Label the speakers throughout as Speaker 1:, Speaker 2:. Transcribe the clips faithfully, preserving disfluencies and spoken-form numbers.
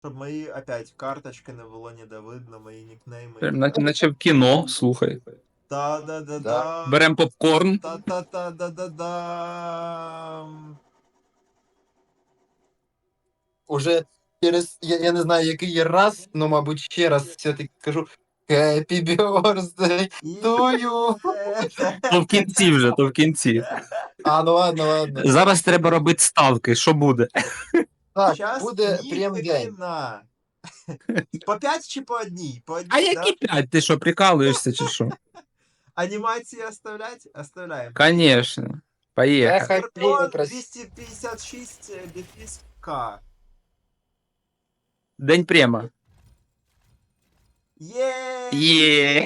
Speaker 1: Щоб мої опять карточки не було ніде видно, мої нікнейми.
Speaker 2: Прям на- наче в кіно, слухай.
Speaker 1: Та-да-да-да.
Speaker 2: Берем попкорн.
Speaker 1: Та-та-та-да-да-да.
Speaker 3: Уже через, я, я не знаю, який раз, ну, мабуть, ще раз все-таки кажу Happy birthday to you.
Speaker 2: То в кінці вже, то в кінці.
Speaker 3: А, ну ладно, ладно.
Speaker 2: Зараз треба робити ставки, що буде.
Speaker 3: Так,
Speaker 1: Щас
Speaker 3: буде
Speaker 1: ні
Speaker 3: прям день.
Speaker 1: хрена. По п'ять чи по одній? По одній,
Speaker 2: А
Speaker 1: да?
Speaker 2: які п'ять? Ти що, прикалуєшся чи що?
Speaker 1: Анімації оставлять? Оставляємо.
Speaker 2: Конечно. Поїхали.
Speaker 3: Ехай,
Speaker 1: Скорпіон
Speaker 3: красиво.
Speaker 1: двісті п'ятдесят шість дефіс К.
Speaker 2: День према.
Speaker 1: Є.
Speaker 2: Є.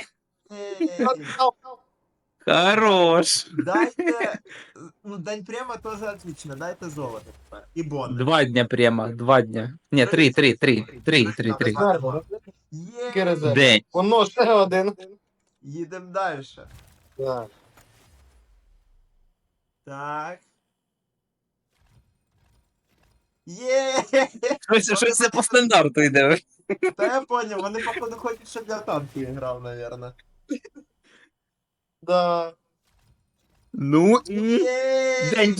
Speaker 2: Хорош.
Speaker 1: Дайте, ну, день према тоже отлично, дайте золото тепер. І бонус.
Speaker 2: Два дня према, два дня. Ні, три, три, три. Три, три, три.
Speaker 3: Який
Speaker 1: Є.
Speaker 3: резерв?
Speaker 2: День.
Speaker 3: Воно ще один.
Speaker 1: Їдемо далі.
Speaker 3: Так.
Speaker 1: Так. Є.
Speaker 2: Щось, щось це по стандарту йде.
Speaker 1: Та я поняв, вони походу хочуть, щоб я в танки грав, наверное.
Speaker 3: Да.
Speaker 2: Ну і...
Speaker 1: Є.
Speaker 2: День.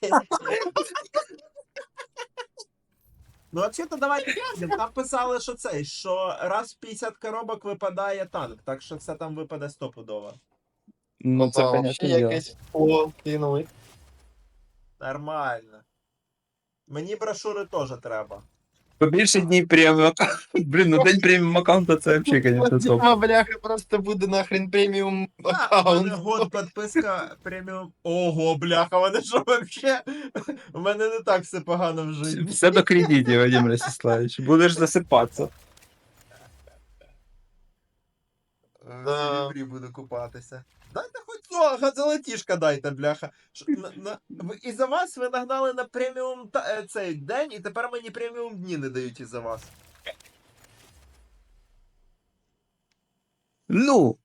Speaker 1: Ну, взагалі-то давайте глянемо. Там писали, що цей, що раз в п'ятдесят коробок випадає танк, так що це там випаде стопудово.
Speaker 2: Ну це,
Speaker 3: Опа,
Speaker 2: понятне
Speaker 3: ще
Speaker 2: діло.
Speaker 3: якесь о, кинули.
Speaker 1: Нормально. Мені брошури теж треба.
Speaker 2: Побільше днів преміум. Блін, ну день преміум аккаунта це взагалі, конечно, топ.
Speaker 3: Дима, бляха, просто буде нахрен преміум
Speaker 1: А, у мене
Speaker 3: аккаунт.
Speaker 1: год підписка преміум. Ого, бляха, вони що вообще? У мене не так все погано в житті.
Speaker 2: Все до кредитів, Вадим Ростиславович. Будеш засипатися.
Speaker 1: В серебрі буду купатися. Дайте хоч цього, золотішка дайте, бляха. Ш- на- на- ви- Із-за вас ви нагнали на преміум та- е, цей день, і тепер мені преміум дні не дають із-за вас.
Speaker 2: Ну,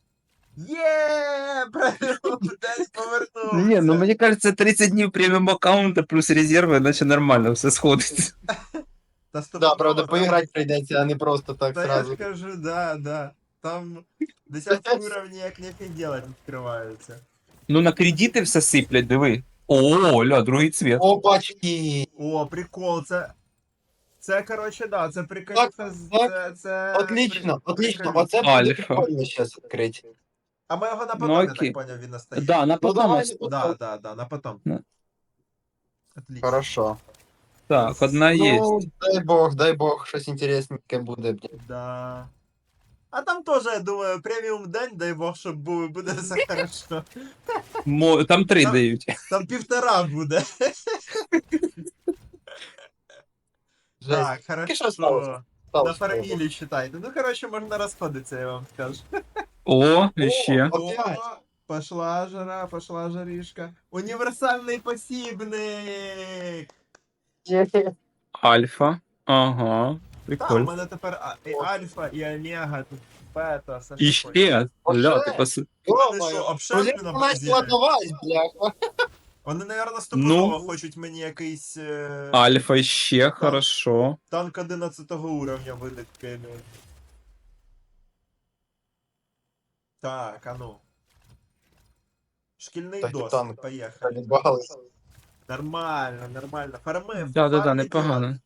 Speaker 1: Є, преміум день повернувся.
Speaker 2: ні, ну мені кажется, тридцять днів преміум аккаунта плюс резерви, наче нормально все сходить.
Speaker 1: Та сто
Speaker 3: Да, правда,
Speaker 1: процентов,
Speaker 3: поіграти прийдеться, а не просто так
Speaker 1: Та я
Speaker 3: сразу.
Speaker 1: ж кажу, да, да. Там десятки уровні як нефіг делать відкриваються.
Speaker 2: Ну на кредити все сиплять, диви. О, ля, другий цвет.
Speaker 3: Опачки!
Speaker 1: О, прикол, це. Це, короче, да, це
Speaker 3: Так,
Speaker 1: прикольно.
Speaker 3: так.
Speaker 1: Це, це...
Speaker 3: Отлично,
Speaker 1: при-
Speaker 3: отлично.
Speaker 1: прикольно.
Speaker 3: Оце буде
Speaker 2: Альфа.
Speaker 3: прикольно зараз відкрити.
Speaker 1: А ми його на
Speaker 2: Ну,
Speaker 1: потом, я
Speaker 2: окей.
Speaker 1: так поняв, він остає.
Speaker 2: Да, на
Speaker 3: Ну,
Speaker 2: потом.
Speaker 3: давай,
Speaker 2: ост-
Speaker 3: ну,
Speaker 1: Да, да, да, на потом.
Speaker 2: Ну.
Speaker 1: Отлично.
Speaker 3: Хорошо.
Speaker 2: Так, одна є.
Speaker 3: Ну, дай бог, дай бог, щось інтересненьке буде. блін.
Speaker 1: Да. А там теж, я думаю, преміум день, дай Бог, щоб був, і буде все хорошо.
Speaker 2: Мо- Там три
Speaker 1: Там-
Speaker 2: дають.
Speaker 1: Там півтора буде.
Speaker 3: Жесть.
Speaker 1: Так,
Speaker 3: Тільки що
Speaker 1: хорошо.
Speaker 3: сталося?
Speaker 1: На
Speaker 3: Сталося.
Speaker 1: фармілі считайте. Ну, короче, можна розходитися, я вам скажу.
Speaker 2: О, ще.
Speaker 3: О, Опять?
Speaker 1: О, пошла жара, пошла жаришка. Універсальний посібник!
Speaker 2: Альфа. Ага.
Speaker 1: Так, у
Speaker 2: Прикольно.
Speaker 1: мене тепер а- і альфа, і омега, тут бета, все
Speaker 2: І
Speaker 1: що хочеш.
Speaker 2: ще. Ля, ти пос...
Speaker 1: Вони що, обширні на
Speaker 3: Начала
Speaker 1: базі?
Speaker 3: давай, бляха.
Speaker 1: Вони, наверное, стопудово
Speaker 2: Ну.
Speaker 1: хочуть мені якийсь е...
Speaker 2: Альфа ще, хорошо.
Speaker 1: танк одинадцятого уровня видати преміум. Так, а ну. Шкільний
Speaker 3: Так і
Speaker 1: досвід,
Speaker 3: танк.
Speaker 1: поїхали.
Speaker 3: Відбагались.
Speaker 1: Нормально, нормально. Фарми,
Speaker 2: Да-да-да,
Speaker 1: фарми
Speaker 2: непогано.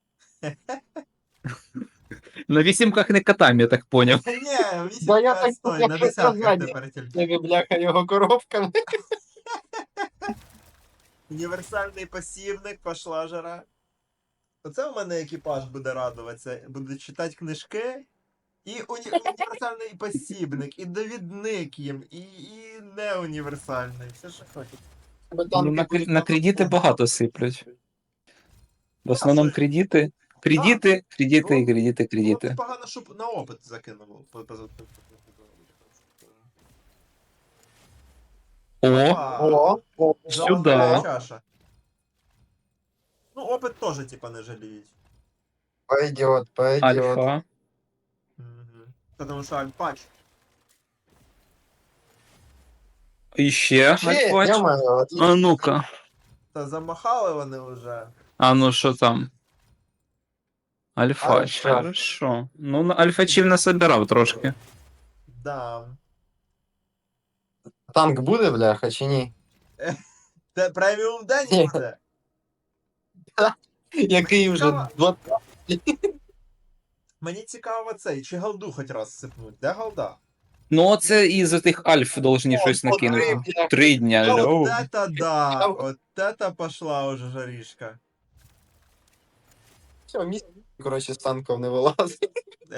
Speaker 2: На вісімках не катаємо, я так поняв.
Speaker 1: Та ні, вісім
Speaker 3: Да я
Speaker 1: п'ять
Speaker 3: так
Speaker 1: стой,
Speaker 3: хотів
Speaker 1: на десятках
Speaker 3: сказати.
Speaker 1: тепер тільки.
Speaker 3: Тебе, бляха, його коробками.
Speaker 1: Універсальний посібник, пошла жара. Оце у мене екіпаж буде радуватися. Буде читати книжки. І уні... універсальний посібник, і довідник їм, і, і не універсальний. Все, що хочуть.
Speaker 2: Ну, на, кр- на кредити багато сиплять. В основному кредити. Кредити, кредити і кредити,
Speaker 1: Ну,
Speaker 2: кредити.
Speaker 1: погано, щоб на опит закинув. по- по- по-
Speaker 2: О,
Speaker 1: Опа.
Speaker 3: О, о,
Speaker 1: Золотая
Speaker 2: сюда.
Speaker 1: чаша. Ну, опит тоже, типа, не жалеють.
Speaker 3: Пойдет, пойдет.
Speaker 2: альфа.
Speaker 1: Угу. Потому що альпач.
Speaker 2: І ще
Speaker 3: Ще,
Speaker 2: альфач.
Speaker 3: я маю, отлично.
Speaker 2: А ну-ка.
Speaker 1: Та замахали вони вже.
Speaker 2: А ну що там? Альфач,
Speaker 3: Альфа.
Speaker 2: хорошо. Ну, на альфачів насобирав трошки.
Speaker 1: Да.
Speaker 3: Танк буде, бляха, чи ні?
Speaker 1: Це преміум день
Speaker 3: Ні.
Speaker 1: буде.
Speaker 3: Який вже
Speaker 1: Цікаво.
Speaker 3: два.
Speaker 1: Мені цікаво цей, чи голду хоч раз сипнуть. Де голда?
Speaker 2: Ну, оце із тих альф должні щось
Speaker 3: О, три,
Speaker 2: накинути.
Speaker 3: бляха.
Speaker 2: Три дня,
Speaker 1: Вот
Speaker 2: льо.
Speaker 1: это да! Вот это пошла уже жаришка.
Speaker 3: Все, місць, коротше, з танком не вилазить.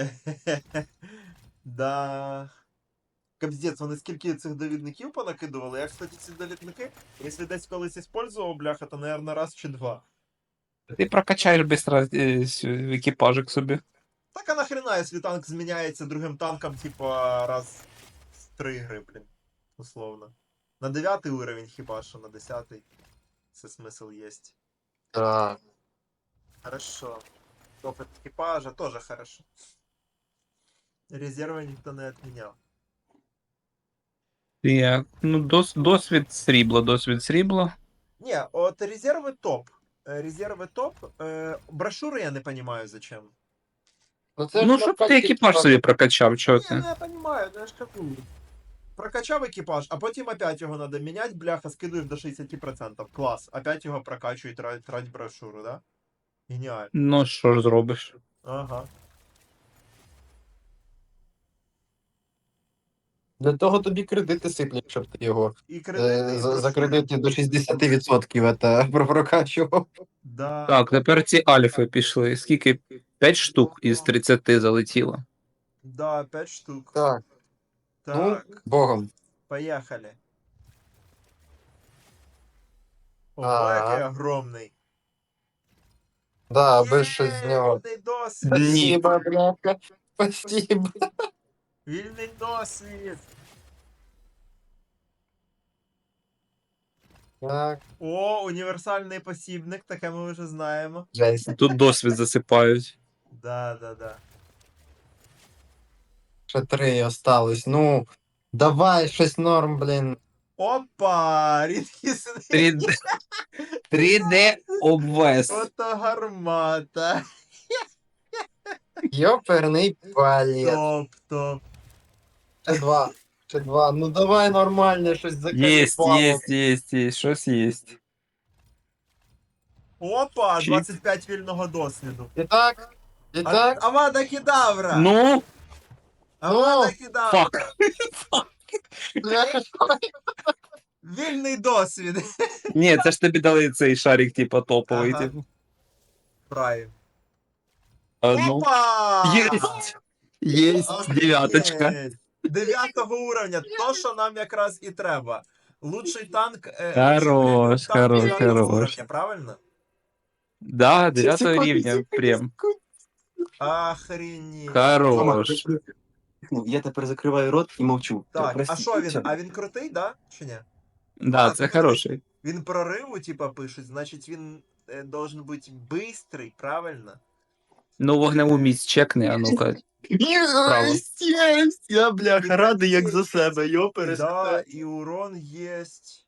Speaker 1: Да. Капздець, вони скільки цих довідників понакидували. Я, кстати, ці довідники, якщо десь колись использував, бляха, то, наверное, раз чи два.
Speaker 2: Ти прокачаєш быстро е, с- екіпажик собі.
Speaker 1: Так а нахрена, якщо танк зміняється другим танком, типа, раз в три гри, блін. Условно. На дев'ятий уровень хіба що, на десятий. Це смисл єсть.
Speaker 3: Так.
Speaker 1: Хорошо. Опыт экипажа тоже хорошо. Резервы никто не отменял.
Speaker 2: Так, ну, дос, досвід срібла, досвід срібла.
Speaker 1: Не, от резервы топ. Э, Резервы топ. Э, Брошюры я не понимаю зачем.
Speaker 3: Ну, це
Speaker 2: Ну,
Speaker 3: ж
Speaker 2: щоб ти
Speaker 3: прокачки,
Speaker 2: екіпаж
Speaker 3: типа,
Speaker 2: собі прокачав, чого
Speaker 1: Не,
Speaker 2: ти?
Speaker 1: ну я понимаю, ну я ж кажу. Прокачав екіпаж, а потім опять його надо міняти, бляха, скидуєш до шістдесят відсотків. Клас. Опять його прокачують, трать, трать брошюру, да? Геніально.
Speaker 2: Ну, що ж зробиш?
Speaker 1: Ага.
Speaker 3: Для того тобі кредити сиплять, щоб ти його
Speaker 1: І
Speaker 3: е,
Speaker 1: кредити, і
Speaker 3: за, за
Speaker 1: брошури.
Speaker 3: кредити до шістдесят відсотків це прокачував.
Speaker 1: Да.
Speaker 2: Так, тепер ці альфи пішли. Скільки? П'ять штук із тридцяти залетіло.
Speaker 1: Да, пять штук.
Speaker 3: Так,
Speaker 1: Так,
Speaker 3: ну, богом.
Speaker 1: поехали. Ого,
Speaker 3: Ага.
Speaker 1: який огромний.
Speaker 3: Да, без щось з
Speaker 1: Є,
Speaker 3: нього.
Speaker 1: Вільний досвід.
Speaker 3: Спасибо, бляха. Спасибо.
Speaker 1: Вільний досвід.
Speaker 3: Так,
Speaker 1: О, універсальний посібник, таке ми вже знаємо.
Speaker 3: жесть.
Speaker 2: Тут досвід засипають.
Speaker 1: Да, да, да.
Speaker 3: Ще три осталось. Ну, давай щось норм, блін.
Speaker 1: Опа! Рідкісний.
Speaker 2: три де три де обвес.
Speaker 1: Ото гармата.
Speaker 3: Йоперний палець.
Speaker 1: Топ, топ.
Speaker 3: Ще два. Ще два. Ну давай нормально щось
Speaker 2: Єсть,
Speaker 3: закаліпало.
Speaker 2: єсть, єсть, єсть, щось єсть.
Speaker 1: Опа,
Speaker 2: Чик.
Speaker 1: двадцять п'ять вільного досвіду.
Speaker 3: І так, і
Speaker 1: А-
Speaker 3: так.
Speaker 1: Авада Кедавра!
Speaker 2: Ну,
Speaker 1: Авада
Speaker 3: ну,
Speaker 1: Кедавра!
Speaker 2: фак.
Speaker 3: Бляха,
Speaker 1: Вільний досвід.
Speaker 2: Ні, це ж тобі дали цей шарик, типа, топовий,
Speaker 1: Ага.
Speaker 2: типу.
Speaker 1: Прайм.
Speaker 2: А, ну.
Speaker 1: Опа!
Speaker 2: Єсть! Єсть, дев'яточка.
Speaker 1: Охренеть. Дев'ятого уровня, то, що нам якраз і треба. Лучший танк. е,
Speaker 2: Хорош,
Speaker 1: лучший танк
Speaker 2: хорош,
Speaker 1: дев'ятого
Speaker 2: хорош.
Speaker 1: уровня, правильно?
Speaker 2: Да, дев'ятого
Speaker 3: секунду,
Speaker 2: рівня,
Speaker 3: секунду,
Speaker 2: прям.
Speaker 1: Охренеть.
Speaker 2: Хорош.
Speaker 4: Ну, я тепер закриваю рот і мовчу.
Speaker 1: Так, а
Speaker 4: Прости.
Speaker 1: що він?
Speaker 4: Все.
Speaker 1: А він крутий, да? Чи ні?
Speaker 2: Да,
Speaker 1: А,
Speaker 2: це
Speaker 1: ну,
Speaker 2: хороший.
Speaker 1: Він прориву, типа, пишуть, значить він е, должен бути бистрий, правильно?
Speaker 2: Ну, вогневу міць чекни, а ну-ка. Право.
Speaker 4: Єсть, єсть! Я, бляха, радий як за себе, йо,
Speaker 1: Да,
Speaker 4: перестань.
Speaker 1: і урон єсть.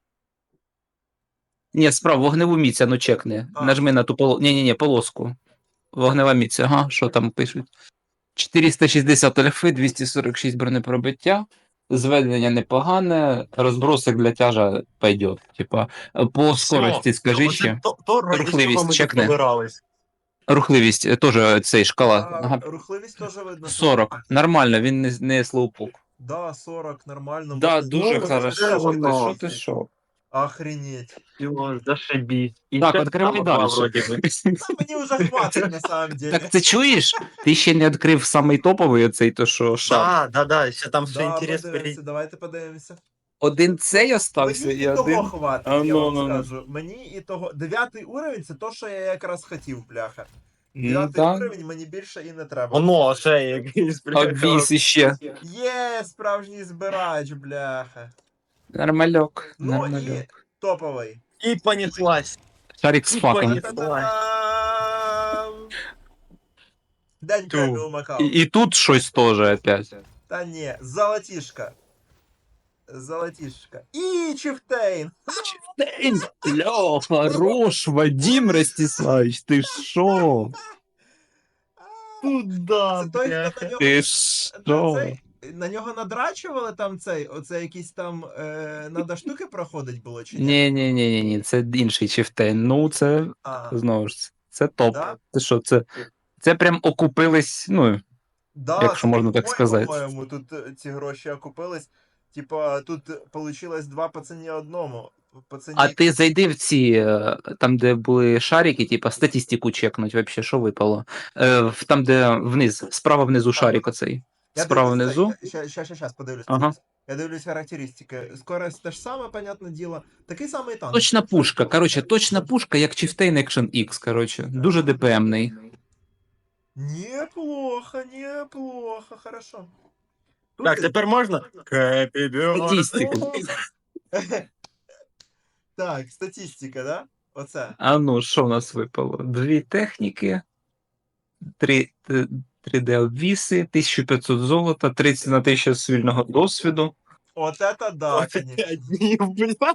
Speaker 2: Ні, справа, вогневу міць, а ну чекни.
Speaker 1: А.
Speaker 2: Нажми на ту полоску. Ні-ні-ні, полоску. Вогнева міць, ага, що там пишуть? чотириста шістдесят альфи, двісті сорок шість бронепробиття. Зведення непогане, розбросик для тяжа пойдет. Типа, по скорості скажи
Speaker 4: Оце
Speaker 2: ще.
Speaker 4: То, то ради
Speaker 2: Рухливість
Speaker 4: чого ми
Speaker 2: чекни.
Speaker 4: тут збирались.
Speaker 2: Рухливість е, теж цей шкала.
Speaker 1: А,
Speaker 2: Ага.
Speaker 1: рухливість теж видно.
Speaker 2: сорок. Нормально, він не, не слоупок.
Speaker 1: Да, сорок, нормально.
Speaker 2: Да,
Speaker 1: Можна-
Speaker 2: дуже
Speaker 1: можна
Speaker 2: хорошо.
Speaker 1: ще
Speaker 4: воно.
Speaker 2: Що
Speaker 1: щось.
Speaker 2: ти що?
Speaker 1: Охренеть.
Speaker 4: Йо, зашибіть. І
Speaker 2: Так,
Speaker 4: ще
Speaker 2: відкривай
Speaker 4: там два
Speaker 2: далі.
Speaker 4: вроді би.
Speaker 1: Та мені вже хватить на самом деле.
Speaker 2: Так ти чуєш? Ти ще не відкрив самий топовий оцей, то що шар.
Speaker 4: Да, да, да, ще там все
Speaker 1: Да,
Speaker 4: інтерес
Speaker 1: подивимося,
Speaker 4: перейти.
Speaker 1: давайте подивимося.
Speaker 2: Один цей остався
Speaker 1: Мені
Speaker 2: і
Speaker 1: і того
Speaker 2: один.
Speaker 1: хватить,
Speaker 2: А,
Speaker 1: я
Speaker 2: ну,
Speaker 1: вам
Speaker 2: ну, ну.
Speaker 1: скажу. Мені і того. Дев'ятий уровень це то, що я якраз хотів, бляха.
Speaker 2: Ну,
Speaker 1: Дев'ятий
Speaker 2: так.
Speaker 1: уровень мені більше і не треба.
Speaker 4: Воно, ще якийсь,
Speaker 2: Обвіз іще.
Speaker 1: Є, справжній збирач, бляха.
Speaker 2: Нормальок,
Speaker 1: Ну
Speaker 2: нормальок.
Speaker 1: Топовий.
Speaker 4: І понеслась.
Speaker 2: Шарик з факом.
Speaker 4: Ой.
Speaker 1: Та-дам! День
Speaker 4: Ту.
Speaker 1: преміум Макао.
Speaker 2: І, і тут щось теж опять.
Speaker 1: Та ні, золотішка. Золотішка. І Чифтейн.
Speaker 2: Ля, хорош, Вадим Ростиславич, ти шо?
Speaker 4: Куда,
Speaker 1: Це той, хто на
Speaker 4: бляха?
Speaker 1: нього
Speaker 2: Ти
Speaker 1: на
Speaker 2: що?
Speaker 1: цей, на нього надрачували там цей, оце якісь там е, надо штуки проходить було чи ні?
Speaker 2: Ні, ні, ні, ні, ні, це інший чифтейн. Ну, це
Speaker 1: А,
Speaker 2: знову ж, це топ.
Speaker 1: да?
Speaker 2: Це що, це, це прям окупились, ну,
Speaker 1: Да,
Speaker 2: якщо
Speaker 1: це
Speaker 2: можна так
Speaker 1: Bitcoin,
Speaker 2: сказати.
Speaker 1: по-моєму, тут е, ці гроші окупились. Типа, тут получилось два по ціні одному. По ціні...
Speaker 2: А ти зайди в ці, е, там, де були шарики, типа статистику чекнуть, вообще, що випало. Е, в- Там, де вниз, справа внизу шарик оцей.
Speaker 1: Я
Speaker 2: Справа
Speaker 1: дивлюсь,
Speaker 2: внизу.
Speaker 1: Щас, щас, щас, подивлюсь.
Speaker 2: Ага.
Speaker 1: Я дивлюсь характеристики. Скорость те ж саме, понятне діло. Такий самий танк.
Speaker 2: Точна пушка. Коротше, точна пушка, як Chieftain Action X, коротше. Дуже ДПМний.
Speaker 1: Неплохо, неплохо, хорошо. Тут
Speaker 4: Так,
Speaker 1: і-
Speaker 4: тепер можна? Happy birthday.
Speaker 2: Статистика.
Speaker 1: Так, статистика, да? Оце.
Speaker 2: А ну, що в нас випало? Дві техніки, три, три д обвіси, тисяча п'ятсот золота, тридцять на тисячу свільного досвіду.
Speaker 1: От это да, конечно.
Speaker 4: П'ять днів, бляха.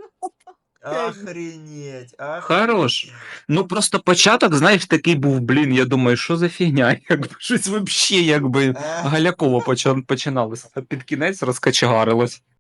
Speaker 1: Охренеть, охренеть.
Speaker 2: Хорош. Ну просто початок, знаєш, такий був, блін, я думаю, що за фігня? Якби щось вообще якби
Speaker 1: Ех.
Speaker 2: галяково поча- починалося. А під кінець розкачегарилось.